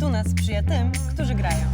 Fortuna sprzyja tym, którzy grają.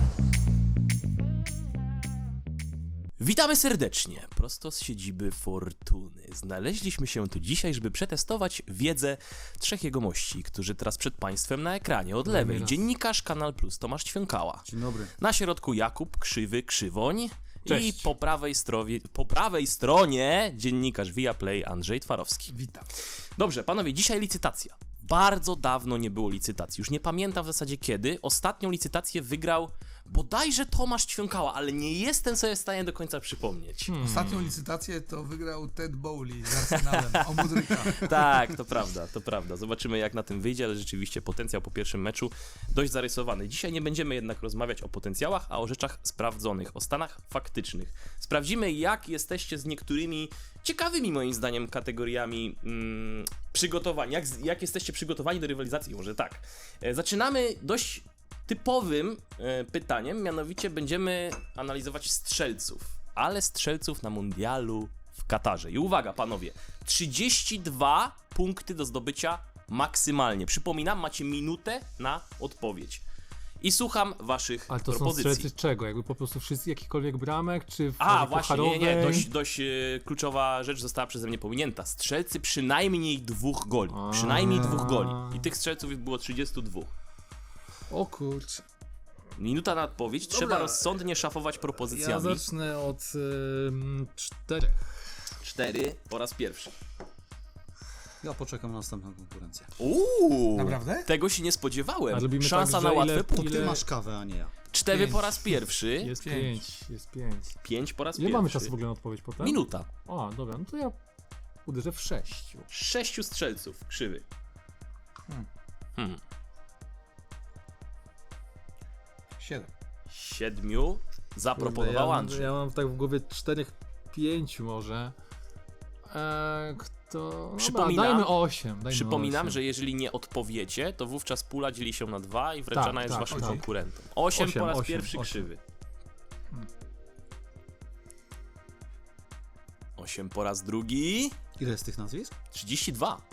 Witamy serdecznie, prosto z siedziby Fortuny. Znaleźliśmy się tu dzisiaj, żeby przetestować wiedzę trzech jegomości, którzy teraz przed Państwem na ekranie. Od lewej dziennikarz Kanal Plus Tomasz Ćwiąkała. Dzień dobry. Na środku Jakub Krzywy Krzywoń. Cześć. I po prawej stronie dziennikarz Viaplay Andrzej Twarowski. Witam. Dobrze, panowie, dzisiaj licytacja. Bardzo dawno nie było licytacji, już nie pamiętam w zasadzie kiedy. Ostatnią licytację wygrał bodajże Tomasz Ćwiąkała, ale nie jestem sobie w stanie do końca przypomnieć. Ostatnią licytację to wygrał Ted Bowley z Arsenalem o Mudryka. Tak, to prawda. Zobaczymy jak na tym wyjdzie, ale rzeczywiście potencjał po pierwszym meczu dość zarysowany. Dzisiaj nie będziemy jednak rozmawiać o potencjałach, a o rzeczach sprawdzonych, o stanach faktycznych. Sprawdzimy jak jesteście z niektórymi ciekawymi moim zdaniem kategoriami przygotowani, jak jesteście przygotowani do rywalizacji, może tak. Zaczynamy dość typowym pytaniem, mianowicie będziemy analizować strzelców, ale strzelców na mundialu w Katarze. I uwaga panowie, 32 punkty do zdobycia maksymalnie. Przypominam, macie minutę na odpowiedź. I słucham waszych Ale to propozycji. są strzelcy czego? Jakby po prostu wszyscy jakichkolwiek bramek, czy w Właśnie, nie, pucharowej? dość kluczowa rzecz została przeze mnie pominięta. Strzelcy przynajmniej 2 goli. Przynajmniej 2 goli. I tych strzelców było 32. O kurczę. Minuta na odpowiedź, trzeba rozsądnie szafować Ja propozycjami. zacznę od 4. 4 po raz pierwszy. Ja poczekam na następną konkurencję. Naprawdę? Tego się nie spodziewałem. A robimy Szansa tak, na że łatwe ile- punkty. Ty masz kawę, a nie ja. 4 Pięć. po raz pierwszy, Jest 5. 5. Jest 5. 5 po raz Ile pierwszy. mamy czasu w ogóle na odpowiedź potem? Minuta. A, dobra, no to ja uderzę w 6. 6 strzelców, krzywy. 7. 7 zaproponował Andrzej. Ja mam tak w głowie 4-5 może. Kto... Przypominam- dajmy 8. Przypominam, że jeżeli nie odpowiecie, to wówczas pula dzieli się na 2 i wręczana jest waszym konkurentom. 8 po raz osiem, pierwszy 8. krzywy. 8 po raz drugi. Ile jest tych nazwisk? 32.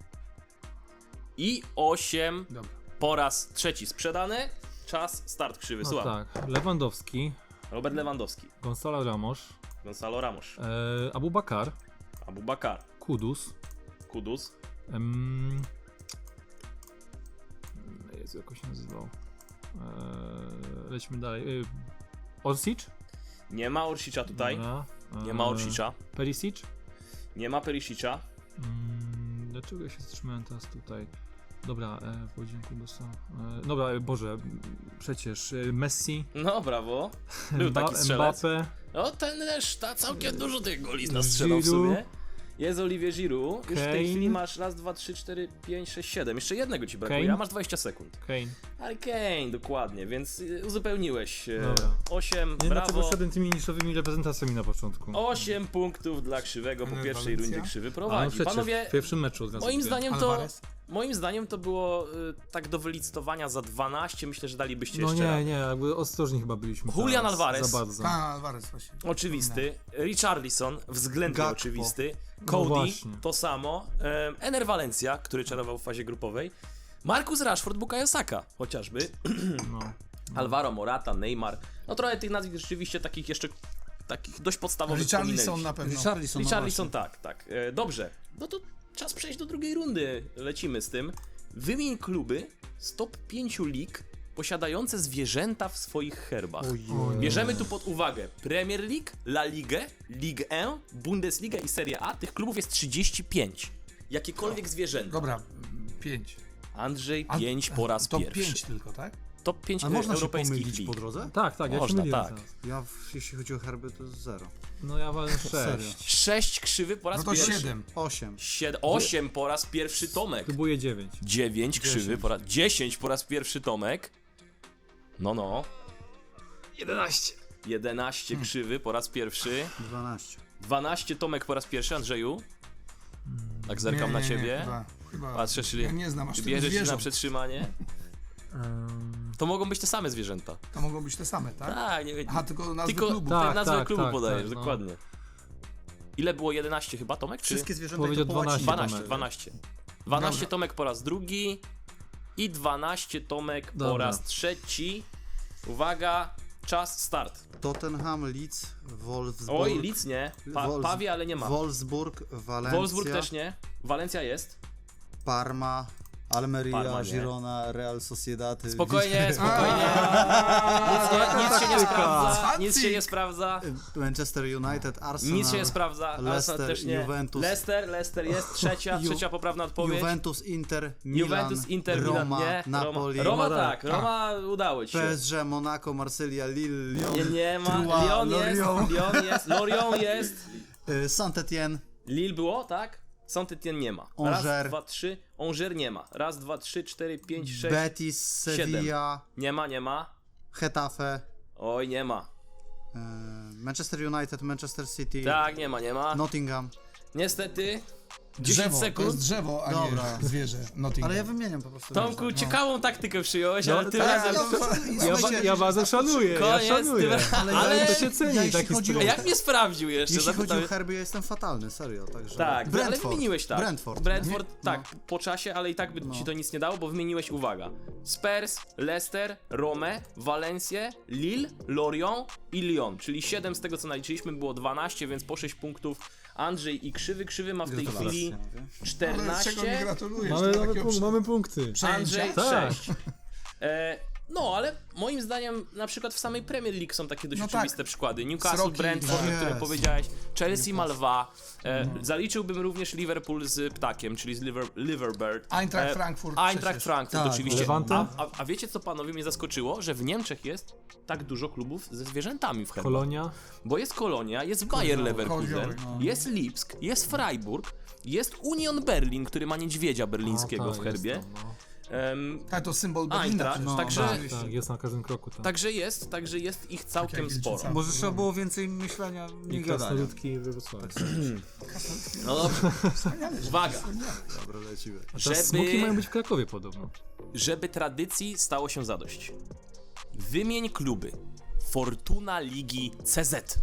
I 8 Dobra. po raz trzeci sprzedane. Czas, start krzywy. No Słucham. tak, Lewandowski, Robert Lewandowski, Gonzalo Ramos, Gonzalo Ramos, Abu Bakar, Abubakar, Kudus, Kudus, Jezu, jak on się nazywał? Lećmy dalej. Orsic? nie ma Orsicza tutaj, Dobra. nie ma Orsicza, Perisic? nie ma Perisicza, Dlaczego ja się zatrzymałem teraz tutaj? Dobra, powiedziałem Kudusa. Dobra, Boże, przecież Messi, no brawo, był taki strzelec. Mbappé, No ten też, całkiem dużo tych goli nastrzelał w sumie. Jest Olivier Giroud, już w tej Kane. chwili masz raz, 2, 3, 4, 5, 6, 7, jeszcze jednego ci brakuje, Kane. a masz 20 sekund. Kane. Ale Kane, dokładnie, więc uzupełniłeś. Dobra. 8, Nie wiem, dlaczego brawo. szedłem tymi niszowymi reprezentacjami na początku. 8 punktów dla Krzywego po pierwszej rundzie Krzywy prowadzi. przecież Panowie, w pierwszym meczu od razu. moim zdaniem to było tak do wylicytowania za 12, myślę, że dalibyście No jeszcze raz. nie, jakby ostrożni chyba byliśmy. Julian teraz, Alvarez. Za bardzo. Alvarez właśnie. Oczywisty. Richarlison, względnie Gakpo. oczywisty. No Cody, właśnie. to samo. Ener Valencia, który czarował w fazie grupowej. Marcus Rashford, Bukayo Saka, chociażby. No. Alvaro Morata, Neymar. No trochę tych nazwisk rzeczywiście takich jeszcze takich dość podstawowych Richarlison pominęliśmy. na pewno. Richarlison, tak. Dobrze. No to czas przejść do drugiej rundy. Lecimy z tym. Wymień kluby z top 5 lig posiadające zwierzęta w swoich herbach. Bierzemy tu pod uwagę Premier League, La Ligę, Ligue 1, Bundesliga i Serie A. Tych klubów jest 35. Jakiekolwiek zwierzęta. Dobra, 5. Andrzej 5 po raz To pierwszy. 5 tylko, tak? Top 5 A można się europejskich pomylić lig. po drodze? Tak, ja się Można, myliłem tak. teraz. Ja, jeśli chodzi o herby, to jest 0. No ja walę 6. Serio. 6 krzywy po raz No to pierwszy. 7. 8. 8 po raz pierwszy Tomek. Próbuję 9. 9 krzywy po raz... 10 po raz pierwszy Tomek. No. 11. 11 krzywy po raz pierwszy. 12. 12 Tomek po raz pierwszy, Andrzeju. Tak zerkam na ciebie. Chyba. Patrzę, czyli Ja nie znam aż czy tylu bierzesz się na zwierząt. przetrzymanie. To mogą być te same zwierzęta. To mogą być te same, tak? Tak, nie wiem. Aha, tylko nazwy Tylko klubu. Tak, nazwę tak, klubu tak, podajesz, tak, no. dokładnie. Ile było? 11 chyba, Tomek? Czy? Wszystkie zwierzęta Powiedział i to po łacinie. 12. 12, 12. 12 Dobra. Tomek po raz drugi. i 12 Tomek po Dobra. raz trzeci. Uwaga, czas, start. Tottenham, Leeds, Wolfsburg. Oj, Leeds nie, Pawie, ale nie ma. Wolfsburg, Walencja. Wolfsburg też nie, Walencja jest. Parma, Almeria, Parma nie. Girona, Real Sociedad. Spokojnie, spokojnie. Nic się nie sprawdza, nic się nie sprawdza. Manchester United, Arsenal. Nic się nie sprawdza, Arsenal Leicester, też nie. Juventus. Leicester jest, trzecia poprawna odpowiedź. Juventus, Inter, Milan, Juventus, Inter, Roma, Milan, nie. Napoli, Roma tak, Roma udało ci się. PSG, Monaco, Marsylia, Lille, Lyon, Nie ma, Troyes, Lyon jest, Lorient jest. Saint-Étienne. Lille było, tak? Saint-Étienne nie ma. Angers. Raz, dwa, trzy. Angers nie ma. Raz, dwa, trzy, cztery, pięć, sześć. Betis, Sevilla, Nie ma. Getafe, Oj, nie ma. Manchester United, Manchester City, Tak, nie ma. Nottingham. Niestety. 10 Drzewo, to sekund. jest drzewo, a Dobra. nie zwierzę. Nottingham. Ale ja wymieniam po prostu. Tomku, ciekawą taktykę przyjąłeś, ale tym tak, razem... Ja bardzo szanuję, Koniec, ja szanuję. ale to się ceni, jeśli taki chodzi o- A styl. jak mnie sprawdził jeszcze? Jeśli chodzi Zapytałem- o herby, ja jestem fatalny, serio. Także... Tak, ale Brentford. wymieniłeś tak. Brentford. Tak, po czasie, ale i tak by ci to nic nie dało, bo wymieniłeś, uwaga, Spurs, Leicester, Rome, Valencję, Lille, Lorient i Lyon, czyli 7 z tego co naliczyliśmy było 12, więc po 6 punktów. Andrzej i Krzywy ma w tej chwili Ale czego mi 14, gratulujesz? Mamy punkty. Andrzej Tak. 6. No, ale moim zdaniem na przykład w samej Premier League są takie dość No tak. oczywiste przykłady. Newcastle, Sroki, Brentford, o tak. którym Jest. powiedziałeś, Chelsea ma lwa. Zaliczyłbym również Liverpool z ptakiem, czyli z Liverbird. Eintracht Frankfurt Eintracht przecież. Frankfurt, Tak, oczywiście. Levante? A wiecie co panowie mnie zaskoczyło? Że w Niemczech jest tak dużo klubów ze zwierzętami w herbatach. Kolonia. Bo jest Kolonia, jest Bayer Leverkusen, Koziołek, no. jest Lipsk, jest Freiburg, jest Union Berlin, który ma niedźwiedzia berlińskiego w herbie. Jest tam, no. Tak, to symbol Berlina. Eintracht, przecież. także- Tak, jest na każdym kroku. Tak. Także jest ich całkiem jak sporo. Wilczyca. Może trzeba było więcej myślenia, nie I gadania. krasnoludki we Wrocławiu. No dobrze. Uwaga, Dobra, lecimy. A teraz smoki mają żeby, być w Krakowie podobno. żeby tradycji stało się zadość. Wymień kluby Fortuna Ligi CZ.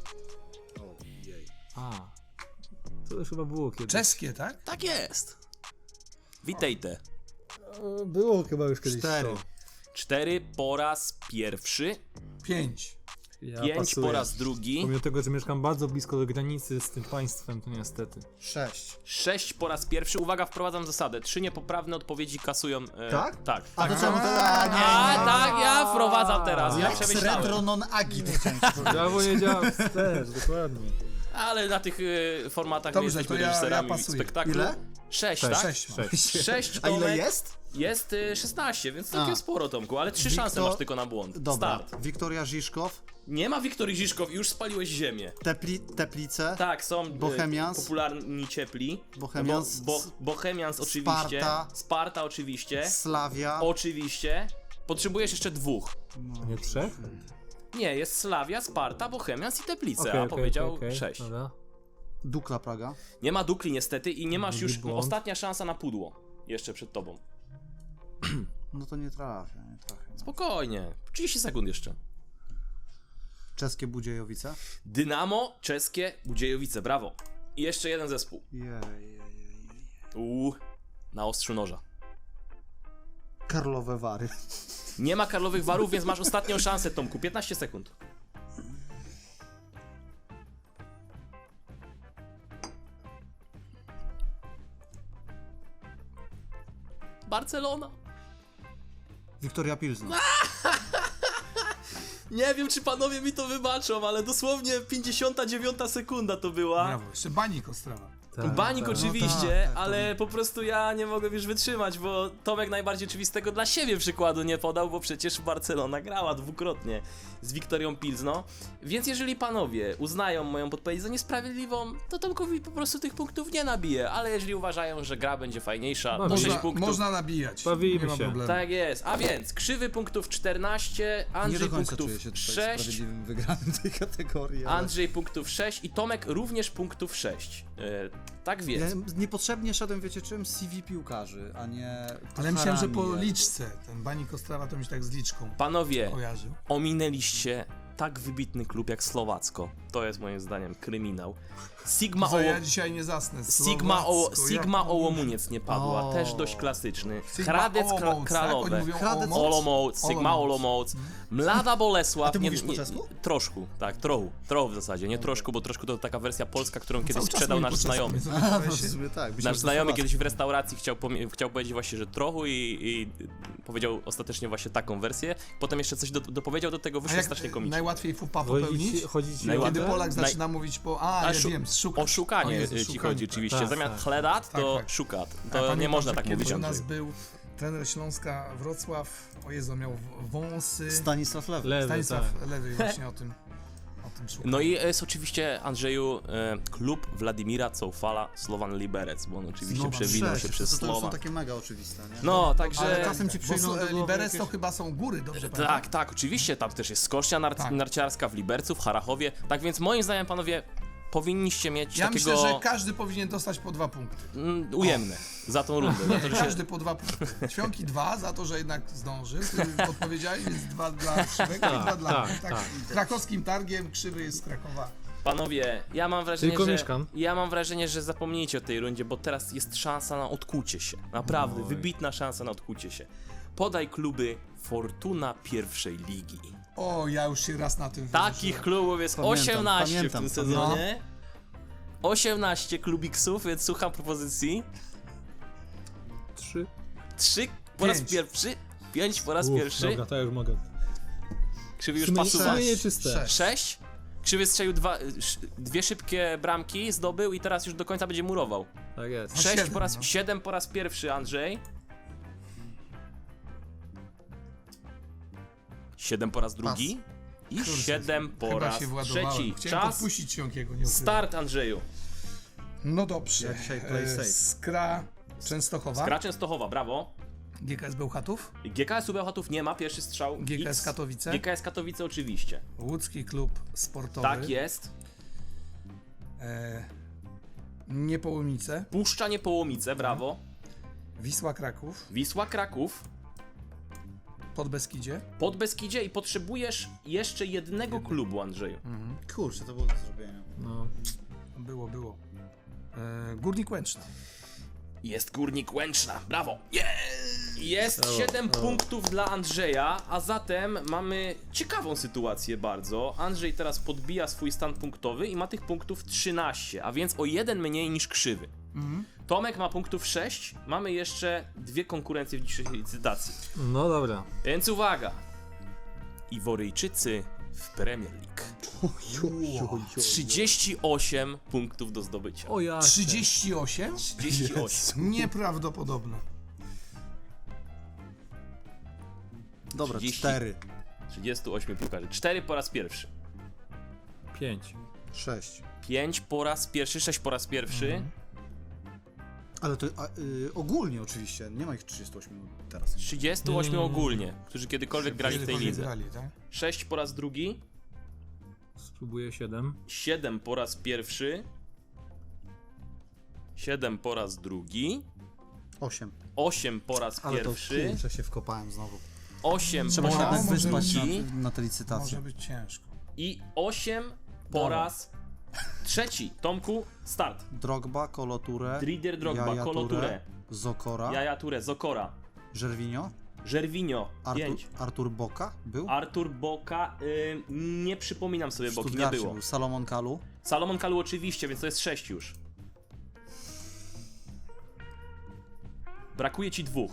A, to już chyba było kiedyś. Czeskie, tak? Tak jest. Witajte. Było chyba już kiedyś 4. 4 po raz pierwszy, 5. 5 po raz drugi, Pomimo tego, że mieszkam bardzo blisko do granicy z tym państwem, to niestety. 6. 6 po raz pierwszy. Uwaga, wprowadzam zasadę. 3 niepoprawne odpowiedzi kasują. Tak? Tak. A to czemu to... A, nie, A tak, ja wprowadzam teraz. Ja Lex przemyślałem. retro non agit, chciałem ci powiedzieć. Brawo, nie działa wstecz, dokładnie. Ale na tych formatach Dobrze, my jesteśmy to ja reżyserami pasuję. spektaklu. Ile? 6, Sześć. tak? 6 mam. 6 A ile Tomek. jest? Jest 16, więc całkiem A. sporo, Tomku, ale 3 szanse masz tylko na błąd. Dobra. Start. Wiktoria Żiżkow, Nie ma Wiktorii Żiżkow, już spaliłeś ziemię. Teplice, Tak, są Bohemians. popularni ciepli. Bohemians. Bohemians oczywiście. Sparta oczywiście. Slavia, Oczywiście. Potrzebujesz jeszcze 2. Nie 3? Nie, jest Slavia, Sparta, Bohemians i Teplice, Okej, a okej, powiedział okej, 6. Dobra. Dukla Praga. Nie ma Dukli niestety i nie masz Drugi już błąd. ostatnia szansa na pudło. Jeszcze przed tobą. No to nie trafię. Spokojnie. 30 sekund jeszcze. Czeskie Budziejowice. Dynamo, czeskie, Budziejowice, brawo. I jeszcze jeden zespół. Na ostrzu noża. Karlowe Wary. Nie ma Karlowych Warów, więc masz ostatnią szansę, Tomku. 15 sekund. Barcelona. Wiktoria Pilzno. Nie wiem, czy panowie mi to wybaczą, ale dosłownie 59 sekunda to była. Brawo, jeszcze Banik Ostrawa. Tak, Banik tak. oczywiście, tak, ale po prostu ja nie mogę już wytrzymać, bo Tomek najbardziej oczywistego dla siebie przykładu nie podał, bo przecież Barcelona grała dwukrotnie z Wiktorią Pilzno. Więc jeżeli panowie uznają moją podpowiedź za niesprawiedliwą, to Tomkowi po prostu tych punktów nie nabije, ale jeżeli uważają, że gra będzie fajniejsza, to 6 punktów. Można nabijać. Bawimy nie ma się. problemu. Tak jest, a więc krzywy punktów 14, Nie Andrzej do końca punktów czuję się tutaj 6, sprawiedliwym wygranym tej kategorii. ale- Andrzej punktów 6 i Tomek również punktów 6. Tak Ja więc. niepotrzebnie szedłem, wiecie czym? CV piłkarzy, a nie... Ale myślałem, że po pucharami. liczce. Ten Banik Ostrawa to mi się tak z liczką Panowie, kojarzył. ominęliście tak wybitny klub jak Słowacko. To jest moim zdaniem kryminał. Sigma, Co, ja dzisiaj nie zasnę. Sigma Ołomuniec nie padła, O. też dość klasyczny. Sigma Hradec Olomouc, tak? Kralowe. Oni mówią Hradec Olomouc, Sigma Olomouc, Mlada Bolesław. A ty mówisz po czesku? Troszku, tak, trochę w zasadzie, nie troszku, bo troszku to taka wersja polska, którą kiedyś Cały czas sprzedał mówi nasz po czesku, znajomy. więc A, to w się- sumie tak. Nasz znajomy kiedyś w restauracji chciał powiedzieć właśnie, że trochu i powiedział ostatecznie właśnie taką wersję. Potem jeszcze coś dopowiedział do tego, A wyszło jak strasznie komicznie. najłatwiej fupa popełnić? Chodzi ci Najłatwiej. Kiedy o Polak Naj- zaczyna mówić po... A, ja wiem, O szukać. szukanie O Jezu, ci szukanie, chodzi tak. oczywiście. Tak, Zamiast tak. chledat, to Tak, tak. szukat. Ja To nie pamiętam, można że tak kiedyś mówić, u nas Andrzej. był trener Śląska Wrocław, o Jezu, miał wąsy. Stanisław Lewy. Lewy, Stanisław tak. Lewy właśnie o tym szukał. No i jest oczywiście, Andrzeju, klub Władimira Coufala, Slovan Liberec, bo on oczywiście No, przewinął się przecież, przez to już Słowa. są takie mega oczywiste, nie? No, także... Ale czasem ci Bo przyjdą do głowy Liberec jakieś... to chyba są góry, dobrze Tak, pamiętam? tak, oczywiście, tam też jest skocznia Tak. narciarska w Libercu, w Harachowie, tak więc moim zdaniem, panowie, powinniście mieć Ja takiego myślę, że każdy powinien dostać po 2 punkty. ujemne za tą rundę. Za to, że się... Każdy po 2 punkty. Świąki 2 za to, że jednak zdążył. Ty odpowiedziałeś, więc 2 dla Krzywego i 2 dla mnie. Tak. Krakowskim targiem Krzywy jest z Krakowa. Panowie, ja mam wrażenie, Tylko że mieszkam. zapomnijcie o tej rundzie, bo teraz jest szansa na odkucie się. Naprawdę, wybitna szansa na odkucie się. Podaj kluby Fortuna pierwszej ligi. O, ja już się raz na tym Takich klubów jest Pamiętam, 18 pamiętam, w tym sezonie. 18 klubiksów, więc słucham propozycji. 3. 3 po raz 5. pierwszy, 5 po raz pierwszy. Dobra, to ja już mogę. Krzywy już Sumienie- pasuwa. sumienie czyste. 6. 6. Krzywy strzelił dwie szybkie bramki, zdobył i teraz już do końca będzie murował. Tak jest. 7, 7 po raz pierwszy, Andrzej. 7 po raz drugi. I 7 po Chyba raz się władowałem. trzeci. Chciałem Czas. podpuścić Świąkiego, nie ukrywam. Start, Andrzeju. No dobrze. Ja dzisiaj play safe. Skra Częstochowa. Skra Częstochowa, brawo. GKS Bełchatów. GKS-u Bełchatów nie ma, pierwszy strzał. GKS X. Katowice. GKS Katowice oczywiście. Łódzki Klub Sportowy. Tak jest. Niepołomice. Puszcza Niepołomice, brawo. Wisła Kraków. Wisła Kraków. Podbeskidzie. Podbeskidzie i potrzebujesz jeszcze jednego klubu, Andrzeju. Kurczę, to było do zrobienia. No. Było. Górnik Łęczna. Jest Górnik Łęczna, brawo! Jest 7 punktów dla Andrzeja, a zatem mamy ciekawą sytuację bardzo. Andrzej teraz podbija swój stan punktowy i ma tych punktów 13, a więc o 1 mniej niż Krzywy. Tomek ma punktów 6, mamy jeszcze 2 konkurencje w dzisiejszej licytacji. No dobra. Więc uwaga! Iworyjczycy w Premier League. 38 punktów do zdobycia. O ja. 38? 38. Nieprawdopodobne. Dobra, 30. 4, 38 piłkarzy. 4 po raz pierwszy. 5. 6. 5 po raz pierwszy, 6 po raz pierwszy. Ale to ogólnie oczywiście, nie ma ich 38 teraz. 38 ogólnie, którzy kiedykolwiek grali w tej Kiedykolwiek lidze. grali, tak? 6 po raz drugi. Spróbuję 7. 7 po raz pierwszy. 7 po raz drugi. 8. 8 po raz Ale to pierwszy. kurczę się wkopałem znowu. 8 Trzeba po się raz jednak wyspać drugi. na tę licytację. Może być ciężko. I 8 po Dobra. raz trzeci. Tomku, start. Drogba, Koloture, Drider Drogba, Yaya Kolo Touré, Touré, Zokora, Yaya Touré, Zokora, Żerwinio, Żerwinio, 5. Artur Boka był? Artur Boka, nie przypominam sobie W Boki, nie Stuttgarcie było. był. Salomon Kalu, Salomon Kalu oczywiście, więc to jest 6 już. Brakuje ci 2.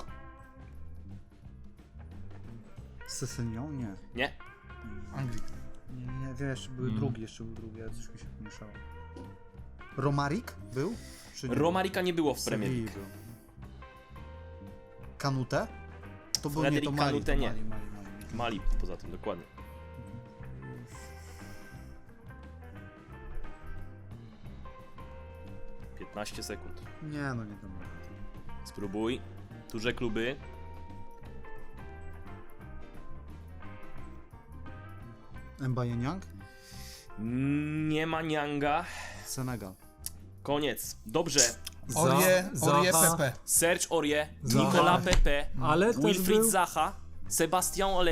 Sesenion? Nie. Nie? Anglik. Nie, wiesz, jeszcze był drugi, ale coś mi się pomieszało. Romarik był? Czy nie? Romarika nie było w Premier Sevilla League. był. Kanute? To był Frederic nie, to Mali, Kanute to nie. Mali. Mali poza tym, dokładnie. ...15 sekund. Nie, no nie to Mali. Spróbuj. Duże kluby. Mbaye-Niang? Nie ma Nianga. Senegal. Koniec. Dobrze. Orie Zaha. Pepe. Serge Aurier, Zaha. Nicolas Pepe, Ale też Wilfried był... Zaha, Sebastian Haller,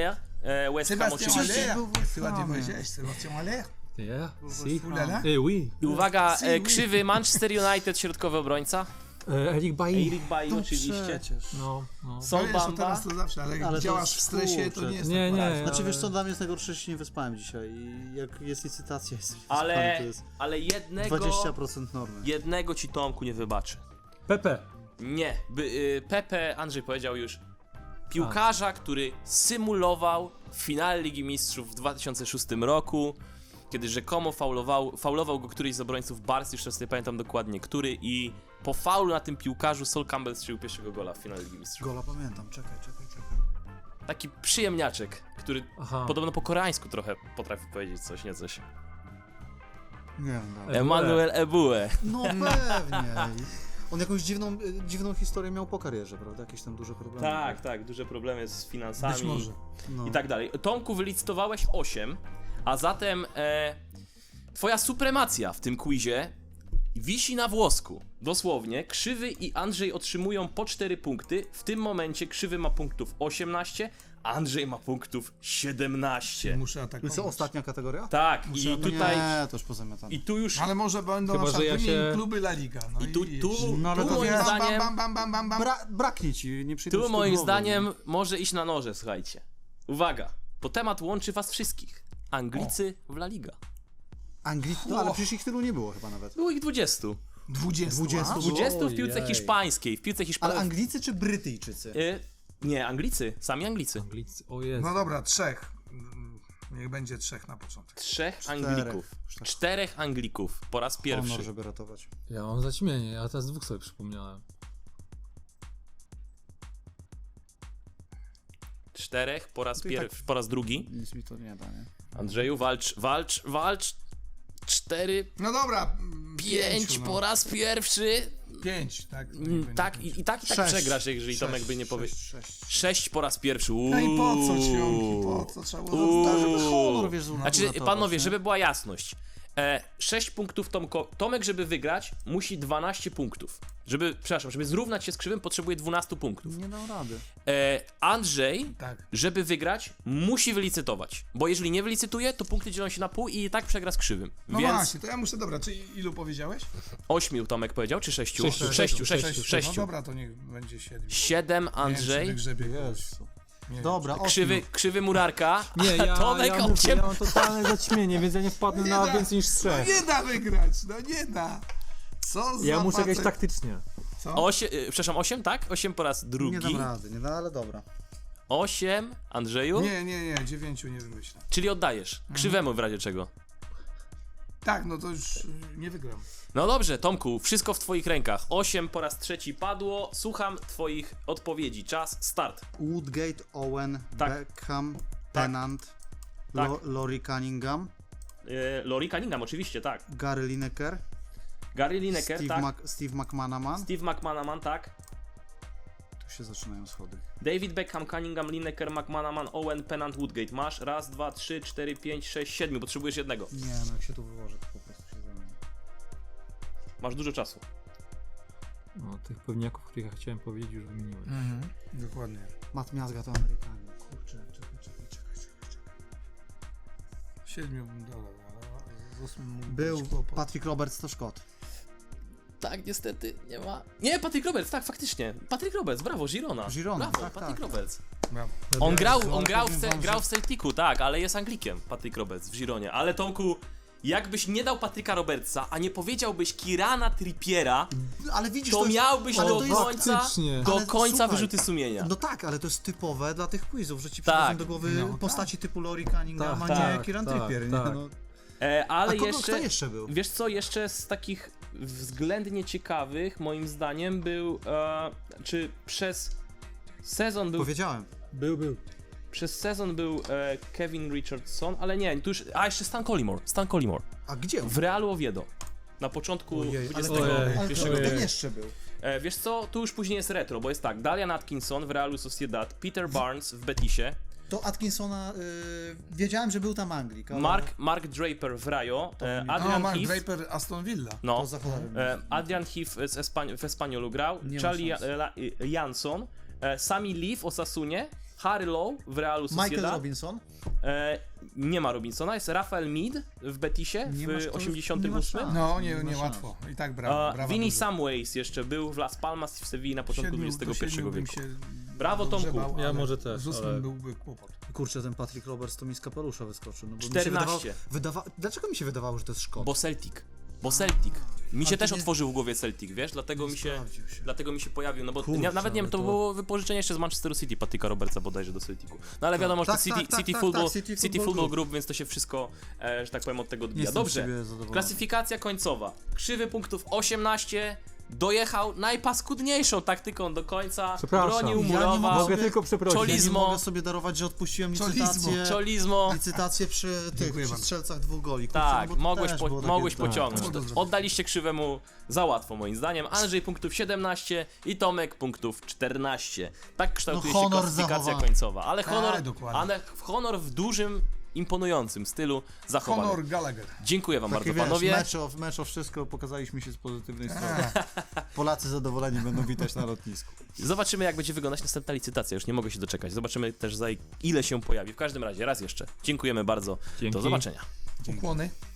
West Ham Sebastian oczywiście. Aller. był Ty ładnie West Hamie. powiedziałeś, Sebastian Aller. Yeah, si. Ulala. Oui. I uwaga, Si, oui. krzywy Manchester United, środkowy obrońca. Eric Bailly. Eric Bailly oczywiście. Przecież. No. No Sol wiesz, to Bamba. teraz to zawsze, ale jak Ale to działasz w jest stresie, to kurczę. nie jest Nie, tak nie. poraźnie. Znaczy ale- wiesz co, dla mnie jest najgorsze, że się nie wyspałem dzisiaj i jak jest licytacja, jest Ale, wyspany, to jest ale jednego 20% normy. jednego ci Tomku nie wybaczy. Pepe. Nie, Pepe, Andrzej powiedział już, piłkarza, który symulował w finale Ligi Mistrzów w 2006 roku, kiedy rzekomo faulował go któryś z obrońców Barcy, już teraz nie pamiętam dokładnie który, i po faulu na tym piłkarzu Sol Campbell strzelił pierwszego gola w finale Ligi Mistrzów. Gola pamiętam, czekaj. Taki przyjemniaczek, który Aha. podobno po koreańsku trochę potrafi powiedzieć coś, nie coś. Nie wiem, dobra. Emmanuel Eboué. No pewnie. On jakąś dziwną historię miał po karierze, prawda? Jakieś tam duże problemy. Tak, duże problemy z finansami. Być może. No. I tak dalej. Tomku, wylicytowałeś 8, a zatem twoja supremacja w tym quizie wisi na włosku. Dosłownie, Krzywy i Andrzej otrzymują po 4 punkty. W tym momencie Krzywy ma punktów 18, Andrzej ma punktów 17. Muszę I atakować. co, ostatnia kategoria? Tak, Muszę i tutaj... Nie, to już pozamiatane. I tu już... Ale może będą Chyba, na przykład że ja wymienić się- kluby La Liga. No I tu No, ale to moim wiesz- zdaniem... bam. Braknie ci, nie przyjdą Tu ci moim głowy, zdaniem może iść na noże, słuchajcie. Uwaga, bo temat łączy was wszystkich. Anglicy w La Liga. No ale przecież ich tylu nie było chyba nawet. Było ich 20. 20. 20. a? 20 w piłce Ojej. hiszpańskiej. W piłce Ale hiszpańskiej... Anglicy czy Brytyjczycy? Nie, Anglicy. Sami Anglicy. Anglicy. O Jezu. No dobra, 3. Niech będzie 3 na początek. 3 Czterech. Anglików. 4 Anglików po raz pierwszy. Honor, żeby ratować. Ja mam zaćmienie, ja teraz 2 sobie przypomniałem. 4 po raz To i pierwszy, po raz drugi. Nic mi to nie da, nie? Andrzeju, walcz. 4, No dobra. 5 po raz pierwszy. 5, tak. Tak, i tak Sześć. przegrasz, jeżeli Tomek by nie powiedział. 6. 6 po raz pierwszy. No i po co ćwionki? Po co trzeba było Żeby zostawić? honor, wiesz, Znaczy, uratować, panowie, nie? żeby była jasność. 6 punktów Tomek, żeby wygrać, musi 12 punktów. Żeby zrównać się z Krzywym, potrzebuje 12 punktów. Nie dał rady. Andrzej, Tak. żeby wygrać, musi wylicytować. Bo jeżeli nie wylicytuje, to punkty dzielą się na pół i tak przegra z Krzywym. No Więc właśnie, to ja muszę, dobra, czy ilu powiedziałeś? 8 Tomek powiedział, czy 6? Sześciu. 6. No dobra, to niech będzie 7. 7 Andrzej, Jezu. Dobra, krzywy Murarka, Nie, a Tomek ja, mówię, 8. ja mam totalne zaćmienie, więc ja nie wpadnę Nie na da. więcej niż 3. No nie da wygrać, no nie da. Co za Ja muszę facet? grać taktycznie. Co? 8, tak? 8 po raz nie drugi. dam rady, nie da, ale dobra. 8 Andrzeju, Nie, 9 nie wymyślę. czyli oddajesz. Krzywemu w razie czego. Tak, no to już nie wygram. No dobrze, Tomku, wszystko w twoich rękach. 8 po raz trzeci padło. Słucham twoich odpowiedzi. Czas, start. Woodgate, Owen, Tak. Beckham, Tennant, Tak. Laurie Cunningham, Laurie Cunningham, oczywiście, tak. Gary Lineker, Gary Lineker, tak. Steve McManaman. Steve McManaman, tak. Tu się zaczynają schody. David Beckham, Cunningham, Lineker, McManaman, Owen, Pennant, Woodgate. Masz 1, 2, 3, 4, 5, 6, 7. Potrzebujesz jednego. Nie, no jak się tu wyłożę, to po prostu się zamieni. Masz dużo czasu. No, tych pewniaków, których ja chciałem powiedzieć, już wymieniłem. Dokładnie. Matt Miazga to Amerykanin. Kurczę, czekaj. 7 bym dodał, ale z 8 mógł Był być kłopot. Patrick Roberts, to Szkot. Tak, niestety nie ma. Nie, Patrick Roberts, tak, faktycznie. Patrick Roberts, brawo, Girona. Girona, brawo, tak, Patrick tak. Roberts. Brawo. On grał powiem wam, grał w Celticu, tak, ale jest Anglikiem, Patrick Roberts w Gironie. Ale Tomku, jakbyś nie dał Patricka Robertsa, a nie powiedziałbyś Kirana Trippiera, Ale widzisz, to jest- miałbyś ale do to jest- końca, faktycznie. do Ale końca słuchaj, wyrzuty sumienia. No tak, ale to jest typowe dla tych quizów, że ci Tak. przychodzą do głowy No, postaci typu Laurie Cunningham, a Tak, nie Kieran tak, Trippier, tak. nie? No. Ale A kto jeszcze, jeszcze był? wiesz co, jeszcze z takich względnie ciekawych, moim zdaniem, był, czy przez sezon był Powiedziałem. Był. Przez sezon był Kevin Richardson, ale nie, tu już. A jeszcze Stan Collymore. A gdzie on? W Realu Oviedo. Na początku Ojej, ale XXI ale pierwszego kto wieku. jeszcze był? Wiesz co, tu już później jest retro, bo jest tak, Dalian Atkinson w Realu Sociedad, Peter Barnes w Betisie, To Atkinsona, wiedziałem, że był tam Anglik, ale Mark Draper w Rayo, No, Adrian Mark Heath, Draper, Aston Villa. no, to za cholerą. Adrian Heath w Espaniolu grał, Nie ma Charlie szans. Jansson, Sami Lee w Osasunie, Harry Lowe w Realu Sociedad. Michael Robinson. Nie ma Robinsona, jest Rafael Mead w Betisie Nie masz w to- 88. nie ma szans. No, Nie ma nie szans. łatwo. I tak brawa. Vinny dużo. Samways jeszcze był w Las Palmas i w Sewilli na początku XXI wieku. Brawo, Tomku. Dogrzebał, Ja ale może też, Z 8 ale- byłby kłopot. Kurczę, ten Patrick Roberts to mi z kapelusza wyskoczył. No bo 14. Dlaczego mi się wydawało, że to jest Szkot? Bo Celtic. Mi się Ale to też nie- otworzył w głowie Celtic, wiesz? Dlatego mi się pojawił, no bo Kurczę, nawet nie wiem, ale to to- było wypożyczenie jeszcze z Manchesteru City, Patryka Robertsa bodajże do Celticu. No ale wiadomo, że Tak, to City, tak, City, tak, Football, tak, City City Football Football Group. Group, więc to się wszystko, że tak powiem, od tego odbija. Jestem z Dobrze, siebie zadowolony. klasyfikacja końcowa. Krzywy punktów 18, dojechał najpaskudniejszą taktyką do końca, Przepraszam. bronił, Ja nie murował, mogę Mogę tylko przeprosić. Czoli- Ja nie Lizmo. mogę sobie darować, że odpuściłem Czolizmo. czolizmo. licytację przy Dziękuję przy bardzo. strzelcach 2 goli. Kurczę, Tak, no bo to mogłeś, też było takie- mogłeś tak. pociągnąć. tak. Oddaliście Krzywemu za łatwo moim zdaniem. Andrzej punktów 17 i Tomek punktów 14. Tak kształtuje No, się honor klasyfikacja zachowany. końcowa. Ale dokładnie. honor w dużym, imponującym stylu zachowany. Honor Gallagher. Dziękuję wam Takie, bardzo, wiesz, panowie. mecz o wszystko, pokazaliśmy się z pozytywnej strony. Polacy zadowoleni będą witać na lotnisku. Zobaczymy, jak będzie wyglądać następna licytacja. Już nie mogę się doczekać. Zobaczymy też, za ile się pojawi. W każdym razie, raz jeszcze. Dziękujemy bardzo. Dzięki. Do zobaczenia. Ukłony.